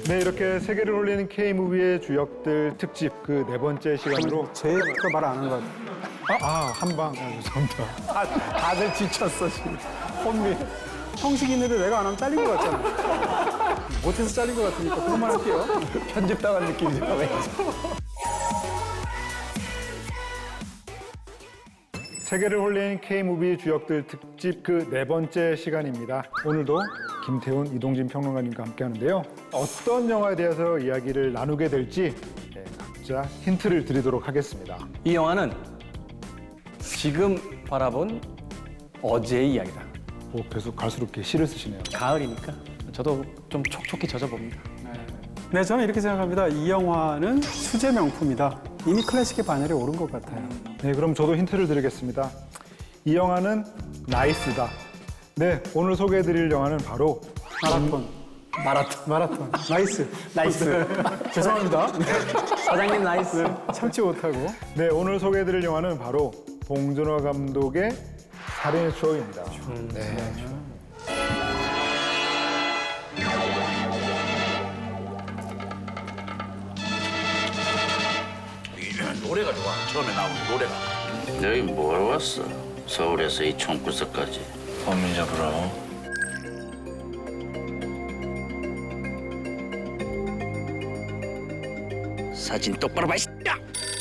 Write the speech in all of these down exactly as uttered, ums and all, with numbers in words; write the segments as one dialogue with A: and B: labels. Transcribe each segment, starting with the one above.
A: 네, 이렇게 세계를 홀리는 K무비의 주역들 특집 그 네 번째 시간으로
B: 제가 말 안 한 것 같아요.
A: 아, 아 한방 아, 죄송합니다.
B: 아, 다들 지쳤어 지금. 혼미. 형식 있는데 내가 안 하면 잘린 것 같잖아. 못해서 잘린 것 같으니까 그것만 할게요.
C: 편집당한 느낌이죠.
A: 세계를 홀린 K무비 주역들 특집 그 네 번째 시간입니다. 오늘도 김태훈, 이동진 평론가님과 함께 하는데요. 어떤 영화에 대해서 이야기를 나누게 될지 네, 각자 힌트를 드리도록 하겠습니다.
C: 이 영화는 지금 바라본 어제의 이야기다.
A: 오, 계속 갈수록 이렇게 시를 쓰시네요.
C: 가을이니까 저도 좀 촉촉히 젖어봅니다.
B: 네, 저는 이렇게 생각합니다. 이 영화는 수제 명품이다. 이미 클래식의 반열에 오른 것 같아요.
A: 네, 그럼 저도 힌트를 드리겠습니다. 이 영화는 나이스다. 네, 오늘 소개해드릴 영화는 바로
B: 마라톤.
C: 마라톤.
B: 마라톤. 나이스.
C: 나이스.
B: 죄송합니다.
C: 사장님 나이스.
B: 참지 못하고.
A: 네, 오늘 소개해드릴 영화는 바로 봉준호 감독의 살인의 추억입니다. 네.
D: 노래가 좋아. 처음에 나오는 노래가.
E: 여기 뭐하러 왔어? 서울에서 이 총구석까지.
D: 범인 잡으러.
E: 사진 똑바로 봐, 이씨야!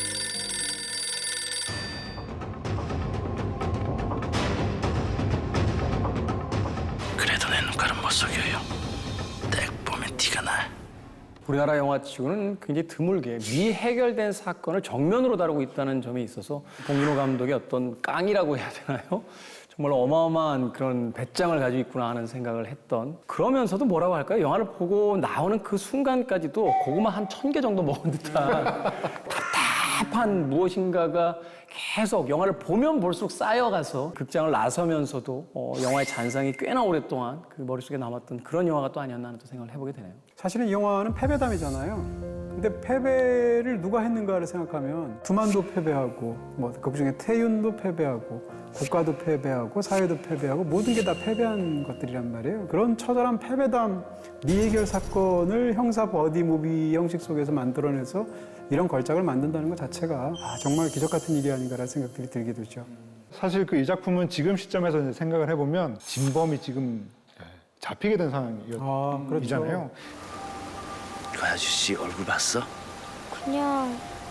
E: 그래도 내 눈깔은 못 속여요. 딱 보면 티가 나.
C: 우리나라 영화 치고는 굉장히 드물게 미해결된 사건을 정면으로 다루고 있다는 점에 있어서 봉준호 감독의 어떤 깡이라고 해야 되나요? 정말 어마어마한 그런 배짱을 가지고 있구나 하는 생각을 했던, 그러면서도 뭐라고 할까요? 영화를 보고 나오는 그 순간까지도 고구마 한 천 개 정도 먹은 듯한 답답한 무엇인가가 계속 영화를 보면 볼수록 쌓여가서 극장을 나서면서도 어, 영화의 잔상이 꽤나 오랫동안 그 머릿속에 남았던 그런 영화가 또 아니었나 하는 또 생각을 해보게 되네요.
B: 사실은 이 영화는 패배담이잖아요. 근데 패배를 누가 했는가를 생각하면 두만도 패배하고, 뭐 그중에 태윤도 패배하고, 국가도 패배하고, 사회도 패배하고, 모든 게 다 패배한 것들이란 말이에요. 그런 처절한 패배담, 미해결 사건을 형사 버디 무비 형식 속에서 만들어내서 이런 걸작을 만든다는 것 자체가 아, 정말 기적 같은 일이 아닌가라는 생각들이 들게 되죠.
A: 사실 그 이 작품은 지금 시점에서 이제 생각을 해보면 진범이 지금 잡히게 된 상황이잖아요.
B: 아, 그렇죠.
E: 그 아저씨 얼굴 봤어?
F: 그냥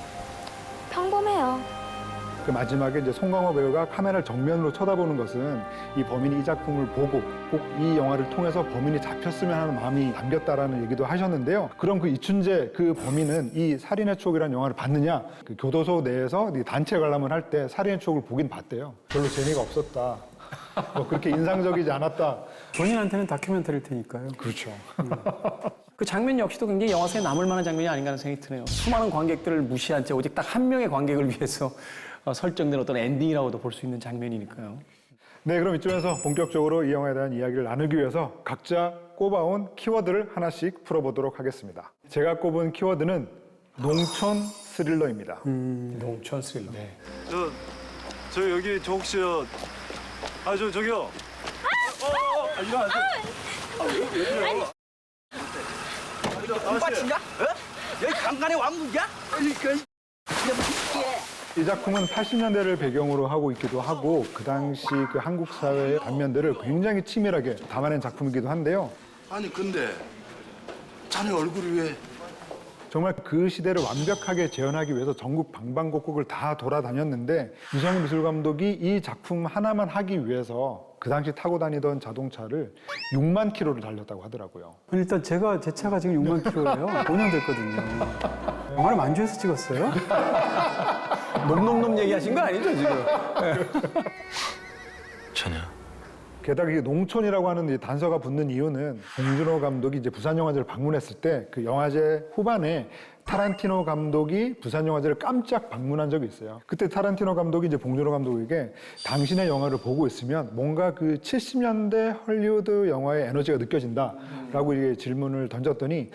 F: 평범해요.
A: 그 마지막에 이제 송강호 배우가 카메라를 정면으로 쳐다보는 것은 이 범인이 이 작품을 보고 꼭 이 영화를 통해서 범인이 잡혔으면 하는 마음이 담겼다라는 얘기도 하셨는데요. 그럼 그 이춘재 그 범인은 이 살인의 추억이라는 영화를 봤느냐? 그 교도소 내에서 단체 관람을 할 때 살인의 추억을 보긴 봤대요. 별로 재미가 없었다. 뭐 그렇게 인상적이지 않았다.
B: 본인한테는 다큐멘터리일 테니까요.
A: 그렇죠.
C: 그 장면 역시도 굉장히 영화 속에 남을 만한 장면이 아닌가 하는 생각이 드네요. 수많은 관객들을 무시한 채 오직 딱 한 명의 관객을 위해서 어, 설정된 어떤 엔딩이라고도 볼 수 있는 장면이니까요.
A: 네, 그럼 이쯤에서 본격적으로 이 영화에 대한 이야기를 나누기 위해서 각자 꼽아온 키워드를 하나씩 풀어보도록 하겠습니다. 제가 꼽은 키워드는 농촌 스릴러입니다.
C: 농촌 스릴러.
A: 네.
G: 저, 저 여기 저 혹시 저, 아, 저 저기요. 어, 어, 어, 아, 일어나세요. 아, 왜, 왜 그래요?
D: 공바친가? 어? 여기 강간의 왕국이야? 아니, 그
A: 이 작품은 팔십 년대를 배경으로 하고 있기도 하고 그 당시 그 한국 사회의 단면들을 굉장히 치밀하게 담아낸 작품이기도 한데요.
D: 아니 근데 자네 얼굴이 왜?
A: 정말 그 시대를 완벽하게 재현하기 위해서 전국 방방곡곡을 다 돌아다녔는데 유성우 미술 감독이 이 작품 하나만 하기 위해서 그 당시 타고 다니던 자동차를 육만 킬로를 달렸다고 하더라고요.
B: 일단 제가 제 차가 지금 육만 킬로예요. 오 년 됐거든요. 영화를 만주에서 찍었어요?
C: 놈놈놈 얘기하신 거 아니죠 지금?
D: 전혀.
A: 게다가 이게 농촌이라고 하는 이 단서가 붙는 이유는 봉준호 감독이 이제 부산영화제를 방문했을 때 그 영화제 후반에 타란티노 감독이 부산영화제를 깜짝 방문한 적이 있어요. 그때 타란티노 감독이 이제 봉준호 감독에게 당신의 영화를 보고 있으면 뭔가 그 칠십 년대 헐리우드 영화의 에너지가 느껴진다라고 이게 질문을 던졌더니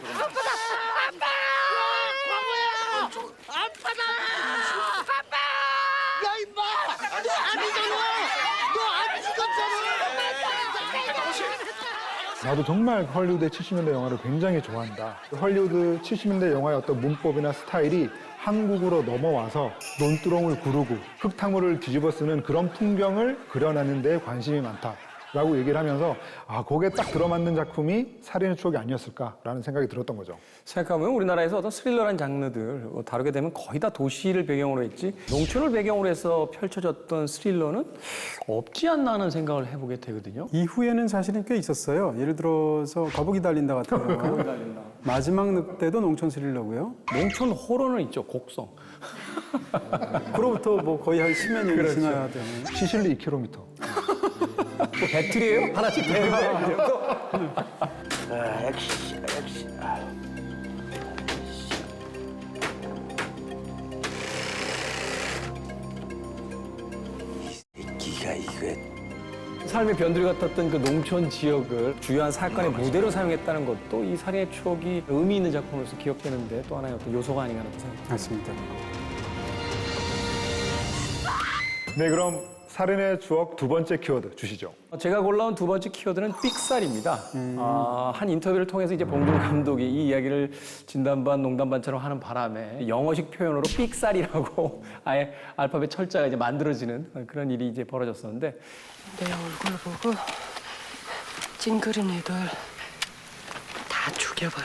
A: 나도 정말 헐리우드의 칠십 년대 영화를 굉장히 좋아한다. 헐리우드 칠십 년대 영화의 어떤 문법이나 스타일이 한국으로 넘어와서 논두렁을 구르고 흙탕물을 뒤집어 쓰는 그런 풍경을 그려내는 데 관심이 많다라고 얘기를 하면서 아, 거기에 딱 들어맞는 작품이 살인의 추억이 아니었을까라는 생각이 들었던 거죠.
C: 생각해보면 우리나라에서 어떤 스릴러란 장르들 다루게 되면 거의 다 도시를 배경으로 했지 농촌을 배경으로 해서 펼쳐졌던 스릴러는 없지 않나 하는 생각을 해보게 되거든요.
B: 이후에는 사실은 꽤 있었어요. 예를 들어서 거북이 달린다 같은 거. 마지막 늑대도 농촌 스릴러고요.
C: 농촌 호러는 있죠, 곡성.
B: 그로부터 뭐 거의 한 십여 년이
C: 그렇죠.
B: 지나야 되는.
A: 시실리 이 킬로미터.
C: 뭐 배틀이에요? 하나씩 배틀.
E: 아, 역시 역시. 아. 이 새끼가 이거.
C: 삶의 변두리 같았던 그 농촌 지역을 주요한 사건의 무대로 사용했다는 것도 이 살인의 추억이 의미 있는 작품으로서 기억되는데 또 하나의 어떤 요소가 아닌가 하는 생각이 듭니다.
B: 맞습니다.
A: 네, 그럼 살인의 추억 두 번째 키워드 주시죠.
C: 제가 골라온 두 번째 키워드는 삑살입니다. 아, 한 인터뷰를 통해서 이제 봉준호 감독이 이 이야기를 진담반 농담반처럼 하는 바람에 영어식 표현으로 삑살이라고 아예 알파벳 철자가 이제 만들어지는 그런 일이 이제 벌어졌었는데
H: 내 얼굴 보고 찡그린 애들 다 죽여버려.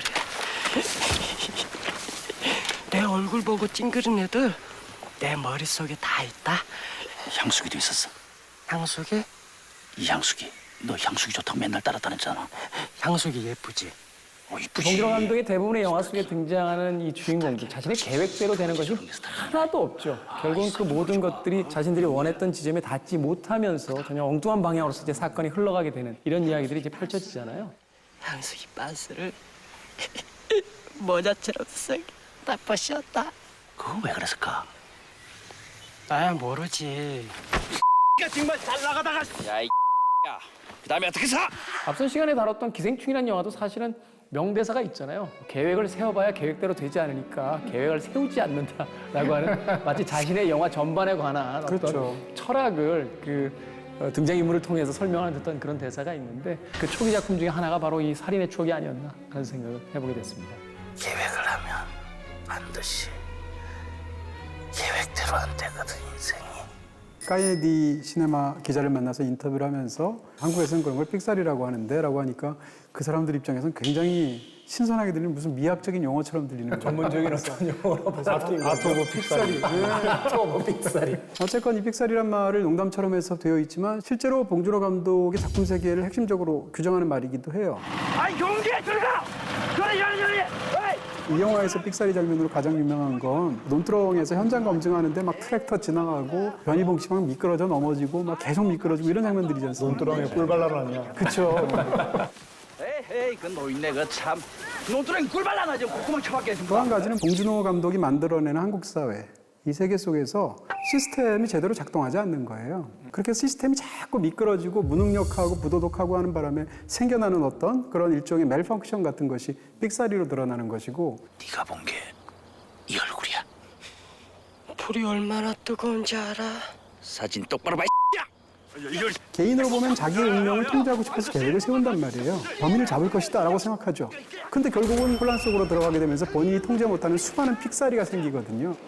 H: 내 얼굴 보고 찡그린 애들 내 머릿속에 다 있다.
E: 향수기도 있었어.
H: 향수기?
E: 이 향수기. 너 향수기 좋다고 맨날 따라다녔잖아.
H: 향수기 예쁘지?
E: 어, 이쁘지.
C: 봉준호 감독의 대부분의 영화 속에 등장하는 이 주인공들 자신의 계획대로 되는 것이 하나도 없죠. 결국은 그 모든 것들이 자신들이 원했던 지점에 닿지 못하면서 전혀 엉뚱한 방향으로서 이제 사건이 흘러가게 되는 이런 이야기들이 이제 펼쳐지잖아요.
H: 향수기 반스를 모자처럼 쓰게 다 벗겼다.
E: 그거 왜 그랬을까?
H: 아 모르지.
D: 야 정말 잘 나가다가
E: 야, 이 야. 그다음에 어떻게 사?
C: 앞선 시간에 다뤘던 기생충이라는 영화도 사실은 명대사가 있잖아요. 계획을 세워봐야 계획대로 되지 않으니까 계획을 세우지 않는다라고 하는 마치 자신의 영화 전반에 관한 어떤
B: 그렇죠.
C: 철학을 그 어, 등장인물을 통해서 설명하는 듯한 그런 대사가 있는데 그 초기 작품 중에 하나가 바로 이 살인의 추억이 아니었나 하는 생각을 해보게 됐습니다.
E: 계획을 하면 반드시 계획대로 안 되거든 인생이.
B: 까예디 시네마 기자를 만나서 인터뷰를 하면서 한국에서는 그런 걸 삑살이라고 하는데 라고 하니까 그 사람들 입장에서는 굉장히 신선하게 들리는 무슨 미학적인 용어처럼 들리는 거예요.
C: 전문적인 어떤 용어로 받아들인
A: 아트 오브 픽살이.
C: 아트 오브 픽살이.
B: 어쨌건 이 픽살이란 말을 농담처럼 해서 되어 있지만 실제로 봉준호 감독의 작품 세계를 핵심적으로 규정하는 말이기도 해요.
D: 아 용기에 들어가. 그래 열리 열리.
B: 이 영화에서 삑사리 장면으로 가장 유명한 건 논두렁에서 현장 검증하는데 막 트랙터 지나가고 변희봉 씨 막 미끄러져 넘어지고 막 계속 미끄러지고 이런 장면들이지 않습니까?
A: 논두렁에 꿀 발라라냐.
B: 그렇죠.
D: 에이 그 노인네 그참 논두렁 꿀 발라나 좀 콧구멍 쳐박게 좀.
B: 또 한 가지는 봉준호 감독이 만들어내는 한국 사회, 이 세계 속에서 시스템이 제대로 작동하지 않는 거예요. 그렇게 시스템이 자꾸 미끄러지고 무능력하고 부도덕하고 하는 바람에 생겨나는 어떤 그런 일종의 멜펑션 같은 것이 삑사리로 드러나는 것이고
E: 네가 본 게 이 얼굴이야.
H: 불이 얼마나 뜨거운지 알아?
E: 사진 똑바로 봐.
B: 개인으로 보면 자기의 운명을 통제하고 싶어서 계획을 세운단 말이에요. 범인을 잡을 것이다 라고 생각하죠. 근데 결국은 혼란 속으로 들어가게 되면서 본인이 통제 못하는 수많은 픽사리가 생기거든요.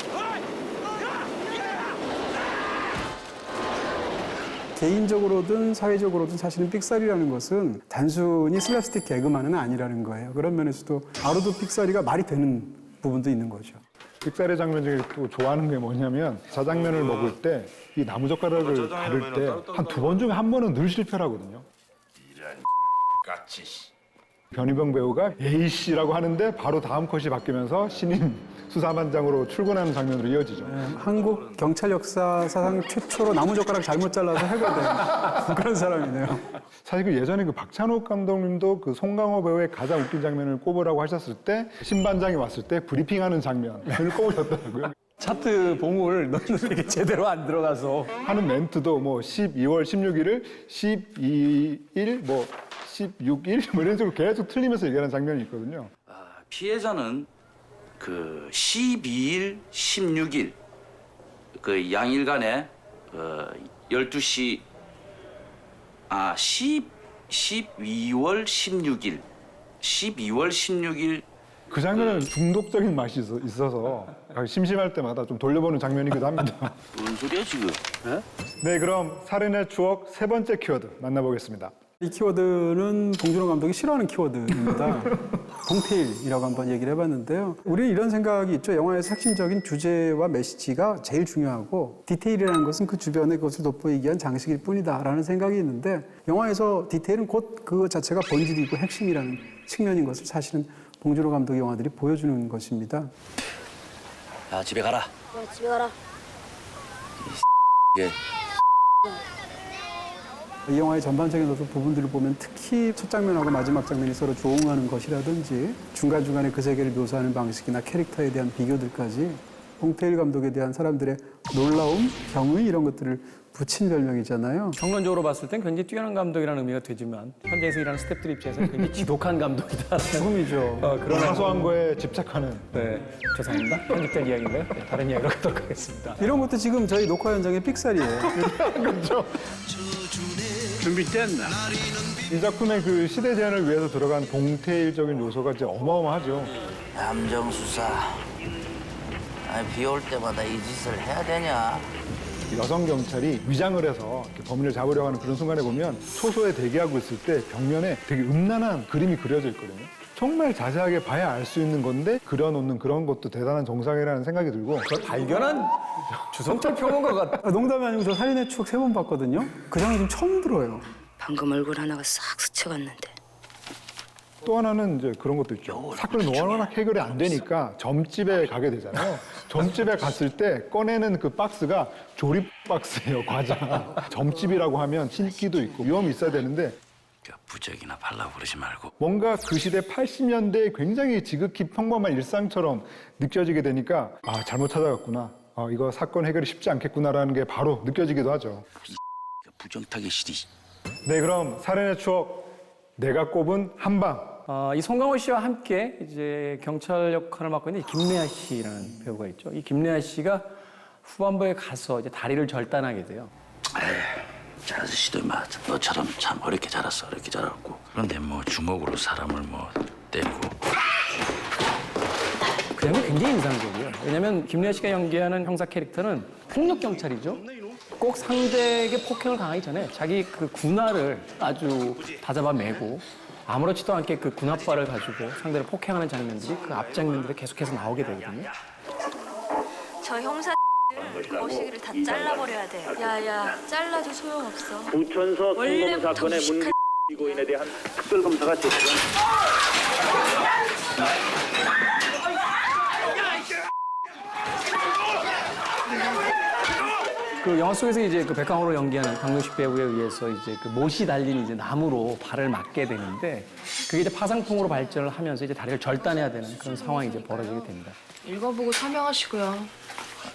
B: 개인적으로든 사회적으로든 사실은 픽살이라는 것은 단순히 슬랩스틱 개그만은 아니라는 거예요. 그런 면에서도 아로도 픽살이가 말이 되는 부분도 있는 거죠.
A: 픽살의 장면 중에 또 좋아하는 게 뭐냐면 자장면을 먹을 때 이 나무젓가락을 가를 때 한 두 번 중에 한 번은 늘 실패를 하거든요.
E: 같이.
A: 변희병 배우가 에이씨라고 하는데 바로 다음 컷이 바뀌면서 신인 수사반장으로 출근하는 장면으로 이어지죠.
B: 네, 한국 경찰 역사 사상 최초로 나무젓가락 잘못 잘라서 해고된 그런 사람이네요.
A: 사실 그 예전에 그 박찬욱 감독님도 그 송강호 배우의 가장 웃긴 장면을 꼽으라고 하셨을 때 신반장이 왔을 때 브리핑하는 장면을 꼽으셨더라고요.
C: 차트 봉을 너는 이렇게 제대로 안 들어가서
A: 하는 멘트도 뭐 십이월 십육일을 십이일 뭐 십육일 뭐 이런 식으로 계속 틀리면서 얘기하는 장면이 있거든요.
E: 아, 피해자는 그 십이일, 십육일 그 양일간에 어 열두 시 아, 십 십이월 십육일. 십이월 십육일.
A: 그 장면은 중독적인 맛이 있어- 있어서 심심할 때마다 좀 돌려보는 장면이기도 합니다.
E: 뭔 소리야 지금? 에?
A: 네, 그럼 살인의 추억 세 번째 키워드 만나보겠습니다.
B: 이 키워드는 봉준호 감독이 싫어하는 키워드입니다. 동테일이라고 한번 얘기를 해봤는데요. 우리는 이런 생각이 있죠. 영화에서 핵심적인 주제와 메시지가 제일 중요하고 디테일이라는 것은 그 주변의 것을 돋보이기 위한 장식일 뿐이다라는 생각이 있는데 영화에서 디테일은 곧 그 자체가 본질이고 핵심이라는 측면인 것을 사실은 봉준호 감독의 영화들이 보여주는 것입니다.
E: 야 집에 가라.
F: 야, 집에 가라.
E: 예.
B: 이 영화의 전반적인 어떤 부분들을 보면 특히 첫 장면하고 마지막 장면이 서로 조응하는 것이라든지 중간중간에 그 세계를 묘사하는 방식이나 캐릭터에 대한 비교들까지 봉태일 감독에 대한 사람들의 놀라움, 경의 이런 것들을 붙인 별명이잖아요.
C: 평론적으로 봤을 땐 굉장히 뛰어난 감독이라는 의미가 되지만 현장에서 일하는 스태프들 입장에서는 굉장히 지독한 감독이다.
B: 죽음이죠.
C: 어, 그런
A: 사소한 거에 집착하는.
C: 네, 죄송합니다. 편집된 이야기인가요? 네, 다른 이야기로 가도록 하겠습니다.
B: 이런 것도 지금 저희 녹화 현장의 삑살이에요.
G: 준비됐나?
A: 이 작품의 그 시대 제한을 위해서 들어간 동태일적인 요소가 이제 어마어마하죠.
E: 함정수사. 아니 비 올 때마다 이 짓을 해야 되냐?
A: 여성 경찰이 위장을 해서 이렇게 범인을 잡으려고 하는 그런 순간에 보면 초소에 대기하고 있을 때 벽면에 되게 음란한 그림이 그려져 있거든요. 정말 자세하게 봐야 알 수 있는 건데 그려놓는 그런 것도 대단한 정상이라는 생각이 들고
C: 그걸 발견한 주성철 평론가 같
B: 아, 농담이 아니고 저 살인의 추억 세 번 봤거든요. 그 장면 좀 처음 들어요.
F: 방금 얼굴 하나가 싹 스쳐갔는데.
A: 또 하나는 이제 그런 것도 있죠. 사건이 워낙 해결이 안 되니까 점집에 가게 되잖아요. 점집에 갔을 때 꺼내는 그 박스가 조립 박스예요, 과자. 점집이라고 하면 신기도 있고 위험이 있어야 되는데
E: 그 부적이나 발라 부르지 말고.
A: 뭔가 그 시대 팔십 년대에 굉장히 지극히 평범한 일상처럼 느껴지게 되니까 아, 잘못 찾아갔구나. 아, 이거 사건 해결이 쉽지 않겠구나라는 게 바로 느껴지기도 하죠.
E: 그 부정타기 실이.
A: 네, 그럼 살인의 추억 내가 꼽은 한방.
C: 어, 이 송강호 씨와 함께 이제 경찰 역할을 맡고 있는 김래아 씨라는 배우가 있죠. 이 김래아 씨가 후반부에 가서 이제 다리를 절단하게 돼요.
E: 저 아저씨도 막 너처럼 참 어렵게 자랐어, 어렵게 자랐고. 그런데 뭐 주먹으로 사람을 뭐 때리고.
C: 그 장면이 굉장히 인상적이에요. 왜냐하면 김래아 씨가 연기하는 형사 캐릭터는 폭력 경찰이죠. 꼭 상대에게 폭행을 당하기 전에 자기 그 군화를 아주 다잡아 매고 아무렇지도 않게 그 군화발을 가지고 상대를 폭행하는 장면들이 그 앞 장면들에 계속해서 나오게 되거든요.
F: 저 형사 거시기를 다 잘라버려야 돼. 야야, 잘라도 소용없어.
I: 부천서 성범
F: 원래부터
I: 사건의 문
F: 무식한
I: 피고인에 대한 특별검사가 제출한
C: 그 영화 속에서 이제 그 백강호로 연기하는 강동식 배우에 의해서 이제 그 못이 달린 이제 나무로 발을 맞게 되는데 그게 이제 파상풍으로 발전을 하면서 이제 다리를 절단해야 되는 그런 상황이 이제 벌어지게 됩니다.
J: 읽어보고 설명하시고요.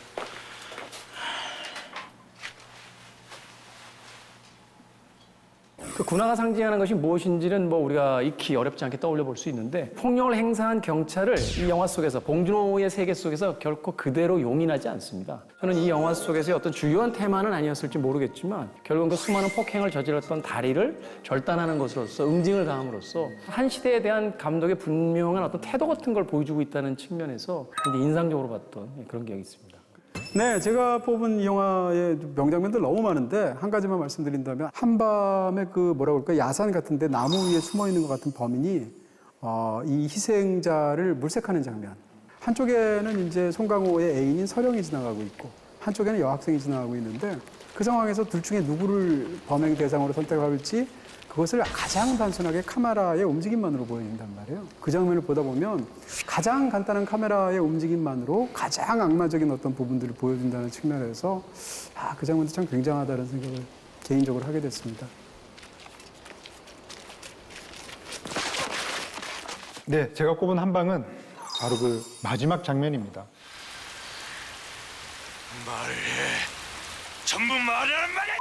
C: 그 군화가 상징하는 것이 무엇인지는 뭐 우리가 익히 어렵지 않게 떠올려 볼 수 있는데 폭력을 행사한 경찰을 이 영화 속에서 봉준호의 세계 속에서 결코 그대로 용인하지 않습니다. 저는 이 영화 속에서의 어떤 주요한 테마는 아니었을지 모르겠지만 결국은 그 수많은 폭행을 저질렀던 다리를 절단하는 것으로서 응징을 가함으로써 한 시대에 대한 감독의 분명한 어떤 태도 같은 걸 보여주고 있다는 측면에서 굉장히 인상적으로 봤던 그런 기억이 있습니다.
B: 네, 제가 뽑은 이 영화의 명장면들 너무 많은데 한 가지만 말씀드린다면 한밤에 그 뭐라고 그럴까 야산 같은데 나무 위에 숨어 있는 것 같은 범인이 어, 이 희생자를 물색하는 장면. 한쪽에는 이제 송강호의 애인인 서령이 지나가고 있고 한쪽에는 여학생이 지나가고 있는데 그 상황에서 둘 중에 누구를 범행 대상으로 선택할지 그것을 가장 단순하게 카메라의 움직임만으로 보여준단 말이에요. 그 장면을 보다 보면 가장 간단한 카메라의 움직임만으로 가장 악마적인 어떤 부분들을 보여준다는 측면에서 아, 그 장면도 참 굉장하다는 생각을 개인적으로 하게 됐습니다.
A: 네, 제가 꼽은 한방은 바로 그 마지막 장면입니다.
G: 말해. 전부 말하란 말이야.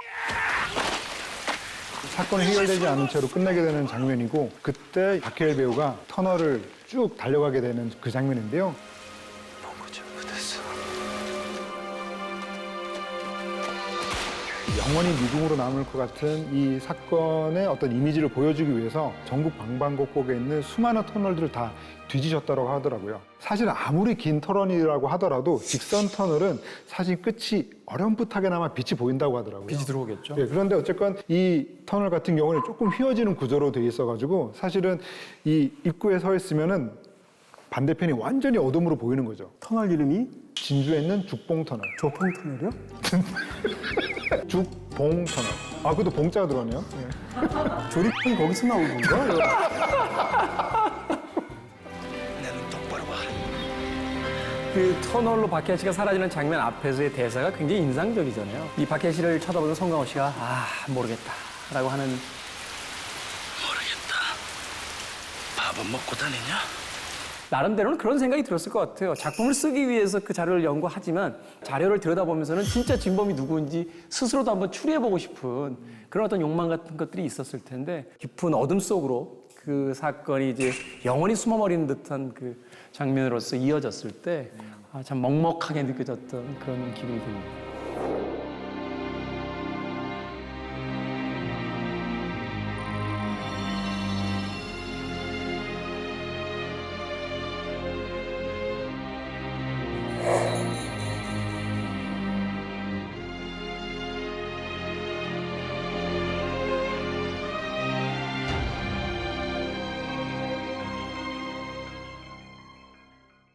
A: 사건이 해결되지 않은 채로 끝나게 되는 장면이고 그때 박해일 배우가 터널을 쭉 달려가게 되는 그 장면인데요.
G: 보고 잘못했어.
A: 영원히 미궁으로 남을 것 같은 이 사건의 어떤 이미지를 보여주기 위해서 전국 방방곡곡에 있는 수많은 터널들을 다 뒤지셨다고 하더라고요. 사실 아무리 긴 터널이라고 하더라도 직선 터널은 사실 끝이 어렴풋하게나마 빛이 보인다고 하더라고요.
C: 빛이 들어오겠죠.
A: 예, 그런데 어쨌건 이 터널 같은 경우는 조금 휘어지는 구조로 돼 있어가지고 사실은 이 입구에 서 있으면은 반대편이 완전히 어둠으로 보이는 거죠.
B: 터널 이름이
A: 진주에 있는 죽봉터널.
B: 조펑 터널이요?
A: 죽봉터널. 아, 그것도 봉자가 들어가네요. 예.
B: 조립이 거기서 나온 건가?
C: 그 터널로 박해일 씨가 사라지는 장면 앞에서의 대사가 굉장히 인상적이잖아요. 이 박해일 씨를 쳐다보는 송강호 씨가 아 모르겠다라고 하는
E: 모르겠다. 밥은 먹고 다니냐?
C: 나름대로는 그런 생각이 들었을 것 같아요. 작품을 쓰기 위해서 그 자료를 연구하지만 자료를 들여다보면서는 진짜 진범이 누구인지 스스로도 한번 추리해보고 싶은 그런 어떤 욕망 같은 것들이 있었을 텐데 깊은 어둠 속으로 그 사건이 이제 영원히 숨어버리는 듯한 그 장면으로서 이어졌을 때 아, 참 먹먹하게 느껴졌던 그런 기분이 듭니다.